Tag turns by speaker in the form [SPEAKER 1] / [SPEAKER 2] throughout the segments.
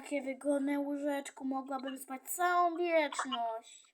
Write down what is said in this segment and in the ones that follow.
[SPEAKER 1] Takie wygodne łóżeczku, mogłabym spać całą wieczność.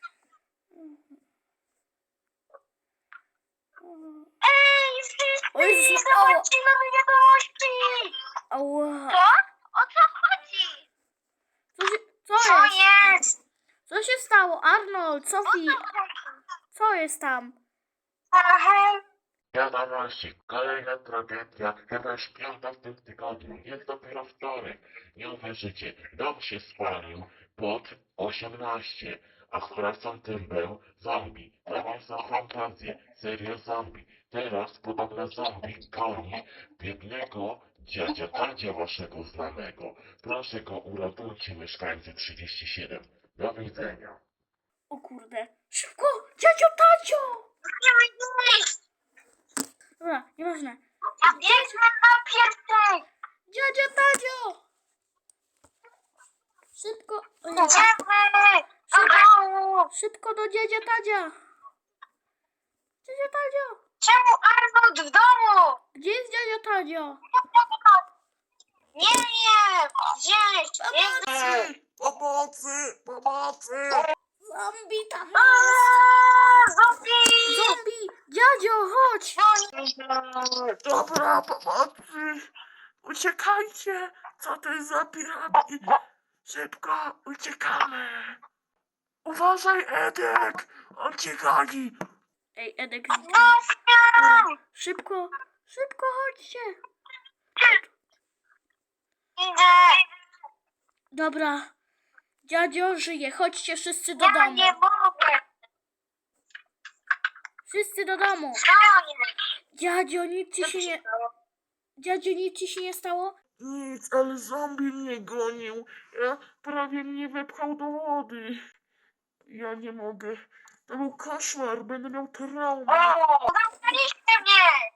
[SPEAKER 2] Ej,
[SPEAKER 1] O Jezus,
[SPEAKER 2] wszyscy! Zobaczcie nowe wiadomości!
[SPEAKER 1] Ała.
[SPEAKER 2] Co? O co chodzi?
[SPEAKER 1] Co
[SPEAKER 2] Co
[SPEAKER 1] jest?
[SPEAKER 2] jest?
[SPEAKER 1] Co się stało? Arnold, Sophie, co jest tam?
[SPEAKER 2] Aha.
[SPEAKER 3] Wiadomości, kolejna tragedia, chyba już piąta w tym tygodniu, jest dopiero wtorek. Nie uwierzycie, dom się spalił pod 18, a sprawcą tym był zombie. To mam za fantazję, serio zombie. Teraz podobno zombie goni biednego dziadzia Tadzia waszego znanego. Proszę go uratujcie, mieszkańcy 37. Do widzenia.
[SPEAKER 1] O kurde. Szybko! Dziadzio Tadzio!
[SPEAKER 2] Nie ma nic!
[SPEAKER 1] Dobra, nieważne.
[SPEAKER 2] Ja biegnę na piesek!
[SPEAKER 1] Dziadzio Tadzio! Szybko! O Jezu.
[SPEAKER 2] Idziemy! Do domu!
[SPEAKER 1] Szybko do dziadzia Tadzia! Dziadzio Tadzio!
[SPEAKER 2] Czemu Arnold w domu?
[SPEAKER 1] Gdzie jest dziadzio Tadzio?
[SPEAKER 2] Nie wiem! Gdzieś!
[SPEAKER 1] Pomocy!
[SPEAKER 3] Pomocy! Pomocy!
[SPEAKER 1] Zombie tam
[SPEAKER 2] Aaa,
[SPEAKER 1] jest!
[SPEAKER 2] zombie!
[SPEAKER 1] Zombie! Dziadzio, chodź!
[SPEAKER 3] Dobra, pomocy! Uciekajcie! Co to jest za pirami? Szybko, uciekamy! Uważaj, Edek! On cię goni!
[SPEAKER 1] Ej, Edek,
[SPEAKER 2] Zostaw!
[SPEAKER 1] szybko, szybko chodźcie!
[SPEAKER 2] Idę!
[SPEAKER 1] Dobra, dziadzio żyje, chodźcie wszyscy do
[SPEAKER 2] Ja
[SPEAKER 1] domu.
[SPEAKER 2] nie mogę!
[SPEAKER 1] Wszyscy do domu.
[SPEAKER 2] Co jest?
[SPEAKER 1] Dziadzio, nic ci
[SPEAKER 2] Co
[SPEAKER 1] się
[SPEAKER 2] się
[SPEAKER 1] nie...
[SPEAKER 2] stało?
[SPEAKER 1] Dziadzio, nic ci się nie stało?
[SPEAKER 3] Nic, ale zombie mnie gonił. Prawie mnie wepchał do wody. Ja nie mogę. To był koszmar, będę miał traumę.
[SPEAKER 2] O! Zamknęliście mnie!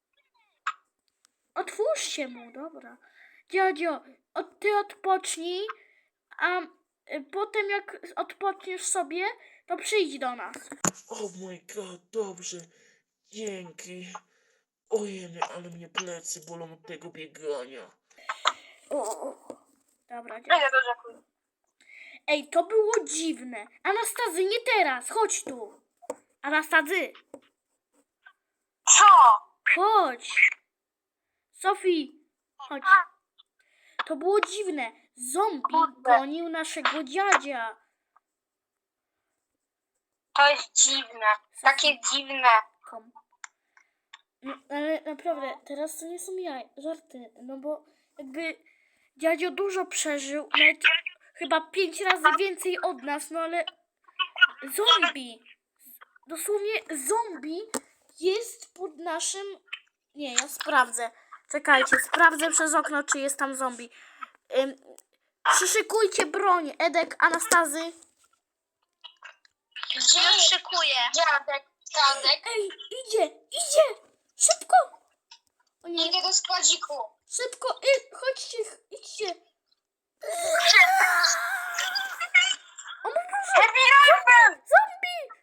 [SPEAKER 1] Otwórzcie mu, dobra. Dziadzio, ty odpocznij, a potem jak odpoczniesz sobie, to przyjdź do nas.
[SPEAKER 3] Oh my god, dobrze. Dzięki. Ojej, ale mnie plecy bolą od tego biegania.
[SPEAKER 1] O. Dobra, dziadzio.
[SPEAKER 2] Idę do rzeku.
[SPEAKER 1] Ej, to było dziwne. Anastazy, nie teraz, chodź tu. Anastazy,
[SPEAKER 2] Co?
[SPEAKER 1] chodź. Sofii, chodź. To było dziwne. Zombie gonił naszego dziadzia.
[SPEAKER 2] To jest dziwne. Takie dziwne.
[SPEAKER 1] Kom. No, ale naprawdę, teraz to nie są żarty, no bo jakby dziadzio dużo przeżył, nawet chyba 5 razy więcej od nas, no ale zombie, dosłownie zombie jest pod naszym, nie, ja sprawdzę, czekajcie, sprawdzę przez okno, czy jest tam zombie. Przyszykujcie broń, Edek, Anastazy.
[SPEAKER 2] Gdzie szykuję? Dziadek, dziadek.
[SPEAKER 1] Ej, idzie, szybko. O nie.
[SPEAKER 2] Idę do składziku.
[SPEAKER 1] Szybko, chodźcie, idźcie. O mój Boże,
[SPEAKER 2] Happy Rifle!
[SPEAKER 1] zombie!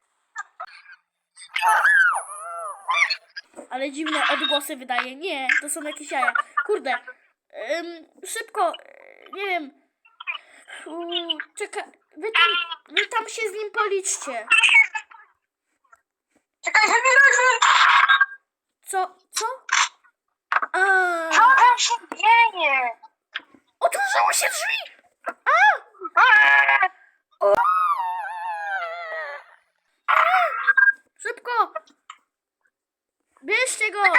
[SPEAKER 1] Ale dziwne odgłosy wydaje. Nie, to są jakieś jaja. Kurde. Szybko, nie wiem. Czekaj, wy tam się z nim policzcie.
[SPEAKER 2] Czekaj, Happy Rifle!
[SPEAKER 1] Co?
[SPEAKER 2] Co tam się dzieje?
[SPEAKER 1] Otworzyło się drzwi! Szybko! Bierzcie go!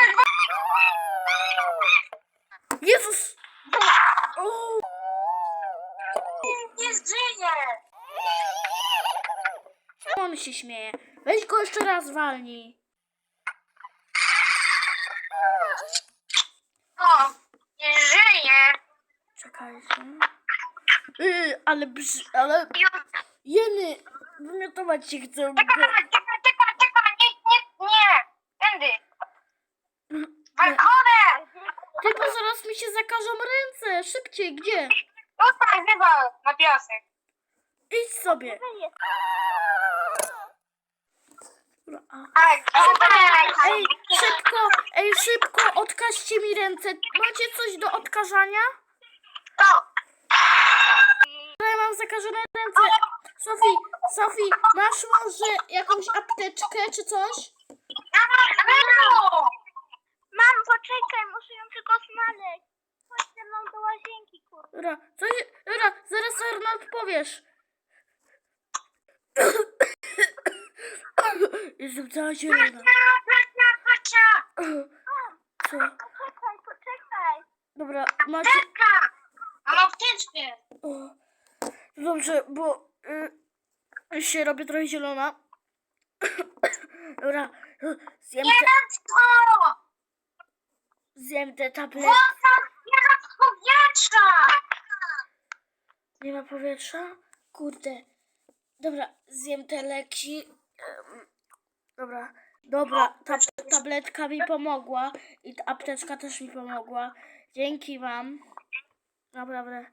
[SPEAKER 1] Jezus! O!
[SPEAKER 2] Nie żyje!
[SPEAKER 1] On się śmieje. Weź go jeszcze raz walnij.
[SPEAKER 2] O, nie żyje!
[SPEAKER 1] Czekajcie. Ale jeny, wymiotować się chcę.
[SPEAKER 2] Czekaj, nie! Tędy! Balkonem!
[SPEAKER 1] Ty, bo zaraz mi się zakażą ręce. Szybciej, gdzie?
[SPEAKER 2] Tutaj, wywal na piasek.
[SPEAKER 1] Idź sobie. Ej, szybko, odkażcie mi ręce. Macie coś do odkażania?
[SPEAKER 2] To!
[SPEAKER 1] mam zakażone ręce. Sofii, masz może jakąś apteczkę czy coś?
[SPEAKER 2] Mam, poczekaj, muszę ją tylko znaleźć. Chodź ze mną do łazienki, kurwa.
[SPEAKER 1] Dobra, zaraz Arnold powiesz. Jestem cała zielona. Co?
[SPEAKER 2] Poczekaj.
[SPEAKER 1] Dobra, macie...
[SPEAKER 2] Mam apteczkę.
[SPEAKER 1] O, dobrze, bo się robię trochę zielona. Dobra, zjem te tablety.
[SPEAKER 2] Nie ma powietrza.
[SPEAKER 1] Nie ma powietrza? Kurde. Dobra, zjem te leki. Dobra, ta tabletka mi pomogła i ta apteczka też mi pomogła. Dzięki wam. Naprawdę.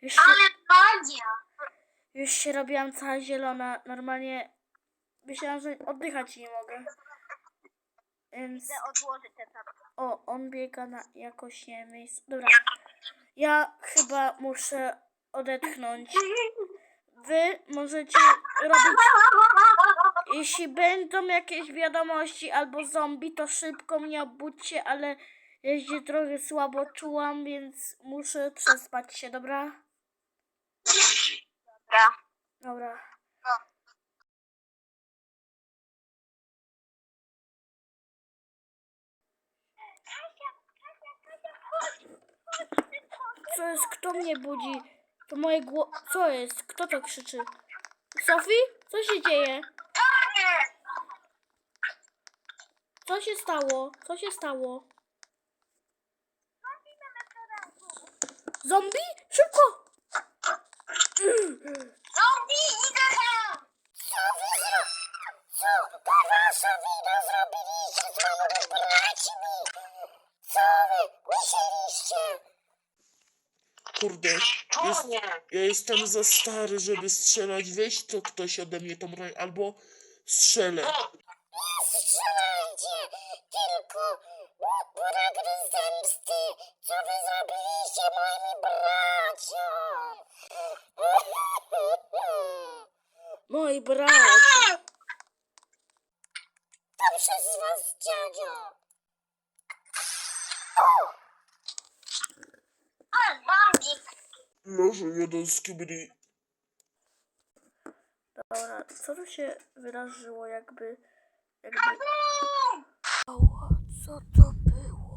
[SPEAKER 1] Już się robiłam cała zielona. Normalnie myślałam, że oddychać nie mogę. Więc...
[SPEAKER 2] Odłożę te tabletki.
[SPEAKER 1] O, on biega na jakoś nie miejsce. Dobra. Ja chyba muszę odetchnąć. Wy możecie robić... Jeśli będą jakieś wiadomości albo zombie, to szybko mnie obudźcie, ale ja się trochę słabo czułam, więc muszę przespać się, dobra? Dobra. Co jest? Kto mnie budzi? To moje Co jest? Kto to krzyczy? Sofii? Co się dzieje? Co się stało? Co się stało? Zombie? Szybko!
[SPEAKER 2] Zombie, idę tam! Co to wasza wina zrobiliście z moimi braćmi? Co wy musieliście?
[SPEAKER 4] Kurde, ja jestem za stary, żeby strzelać. Weź to ktoś ode mnie tą broń, albo strzelę.
[SPEAKER 2] Nie strzelajcie, tylko pragnę zemsty. Co wy zrobiliście moim braciom?
[SPEAKER 1] Moi bracia.
[SPEAKER 2] To przez was, dziadzio. O, zombie.
[SPEAKER 4] Może jeden z kibli.
[SPEAKER 1] Dobra, co tu się wydarzyło jakby... Ała, co to było?